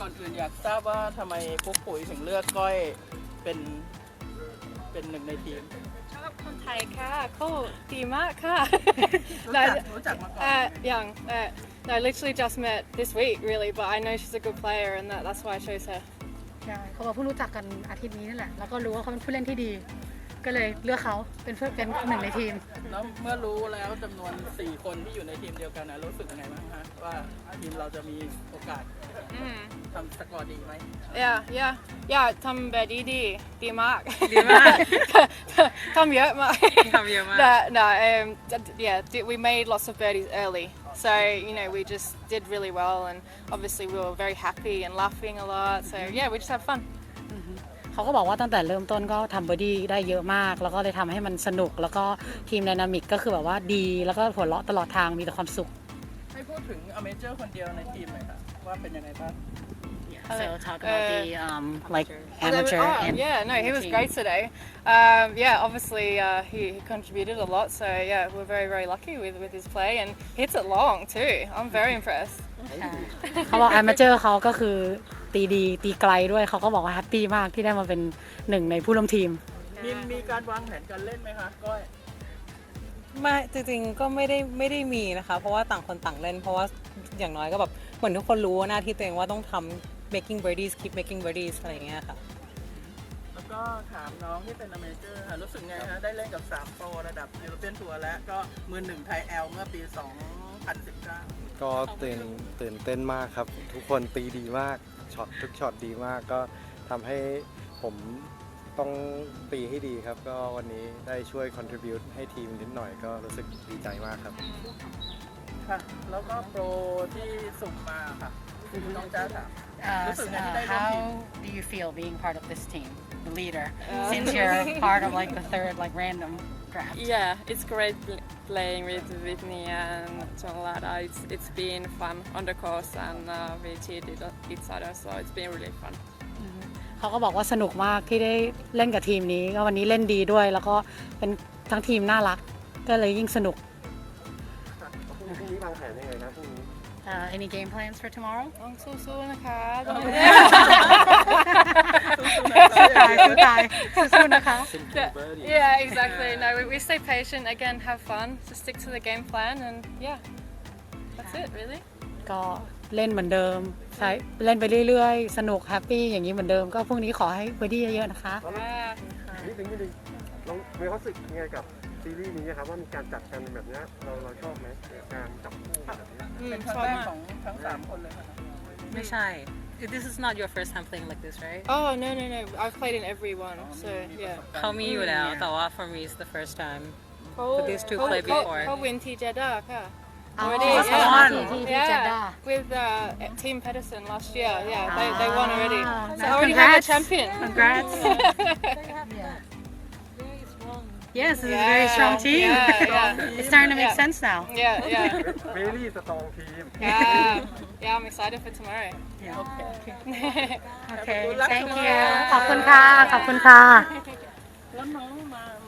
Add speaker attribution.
Speaker 1: ก่อนอื่นอยากทราบว่าทำไมพวกปุ๋ยถึงเลือกก้อยเป็นหนึ่งในทีม
Speaker 2: ชอบคนไทยค่ะเขาดีมากค่ะ
Speaker 1: รู้จักมาก่อน
Speaker 2: young I literally just met this week really but I know she's a good player and that's why I chose her
Speaker 3: เขาบอกเพิ่งรู้จักกันอาทิตย์นี้นั่นแหละแล้วก็รู้ว่าเขาเป็นผู้เล่นที่ดีก็เลยเลือกเขาเป็นหนึ่งในทีม
Speaker 1: แล้วเมื่อรู้แล้วจำนวน4คนที่อยู่ในทีมเดียวกันนะรู้สึกยังไงบ้างฮะว่าทีมเราจะมีโอกาสทำสกอร์ดีไหม
Speaker 2: ทำแบบดีมากทำเยอะมากwe made lots of birdies early so we just did really well and obviously we were very happy and laughing a lot so we just had fun
Speaker 3: เขาก็บอกว่าตั้งแต่เริ่มต้นก็ทำเบอร์ดี้ได้เยอะมากแล้วก็เลยทำให้มันสนุกแล้วก็ทีมไดนามิกก็คือแบบว่าดีแล้วก็หัวเราะตลอดทางมีแต่ความสุข
Speaker 1: ให้พูดถึงอเมเจอร์คนเดียวในทีมหน่อยค่ะว่าเป็นยังไงบ้าง
Speaker 3: So talk about the like amateur and
Speaker 2: no he was great today obviously he contributed a lot so we're very lucky with his play and hits it long too I'm very impressed
Speaker 3: เขาบอก amateur เขาก็คือตีดีตีไกลด้วยเขาก็บอกว่าแฮปปี้มากที่ได้มาเป็นหนึ่งในผู้ร่วมทีม
Speaker 1: มีการวางแผนการเล่นไหมคะก้อย
Speaker 4: ไม่จริงๆก็ไม่ได้มีนะคะเพราะว่าต่างคนต่างเล่นเพราะว่าอย่างน้อยก็แบบเหมือนทุกคนรู้ว่าหน้าที่ตัวเองว่าต้องทำ making birdies keep making birdies อะไรอย่างเงี้ยค่ะ
Speaker 1: แล้วก็ถามน้องที่เป็นอเมเจอร์ค่ะรู้สึกไงฮะได้เล่นกับ3โปรระดับยูโรเปียนทัวร์และก็มือหนึ่งไทยแอลเมื่อปี 2019
Speaker 5: ก็ตื่นเต้นมากครับทุกคนตีดีมากทุกช็อตดีมากก็ทำให้ผมต้องตีให้ดีครับก็วันนี้ได้ช่วย contribute ให้ทีมนิดหน่อยก็รู้สึกดีใจมากครับ
Speaker 1: ค่ะแล้วก็โปรที่สุ่มมาค่ะน้องจ้าถามรู้สึกไงที่ได้ร่วมทีม
Speaker 3: How do you feel being part of this team the leader since you're part of like the third like random draft
Speaker 2: it's great playing with Whitney and John Lada it's been fun on the course and we cheated each other so it's been really fun
Speaker 3: เขาก็บอกว่าสนุกมากที่ได้เล่นกับทีมนี้ก็วันนี้เล่นดีด้วยแล้วก็เป็นทั้งทีมน่ารักก็เลยยิ่งสนุก
Speaker 5: พรุ่งนี้วางแผนยังไงครับพรุ่งนี้
Speaker 3: any game plans for tomorrow
Speaker 2: ต้องสู้ๆนะคะ
Speaker 3: สู้ๆนะคะ
Speaker 2: exactly no we stay patient again have fun just stick to the game plan and that's it really
Speaker 3: ก็เล่นเหมือนเดิมใช้เล่นไปเรื่อยๆสนุกแฮปปี้อย่างนี้เหมือนเดิมก็พรุ่งนี้ขอให้เบอร์ดี้เยอะๆนะคะ
Speaker 5: นิดนึงลองมีความรู้สึกยังไงกับซีรีส์นี้ครับว่ามีการจัดกันแบบนี้เราชอบไหมการจับคู่แบบนี้
Speaker 1: เป็นครั้งแรกของทั้ง3คนเลยค่ะ
Speaker 4: ไม่ใช่ This is not your first time playing like this right
Speaker 2: Oh no I've played in every one so
Speaker 4: เขามีอยู่แล้วแต่ว่า for me it's the first time but these two played before
Speaker 2: เขาวินที่เจด้าค่ะ
Speaker 3: already
Speaker 2: with Team Pedersen last year they won already so already have a champion
Speaker 3: congrats Yes, this is a very strong team. It's starting to make sense now.
Speaker 5: Very strong team.
Speaker 2: I'm excited for tomorrow.
Speaker 3: Okay, thank you. ขอบคุณค่ะขอบคุณค่ะ
Speaker 1: แล้วน้องมา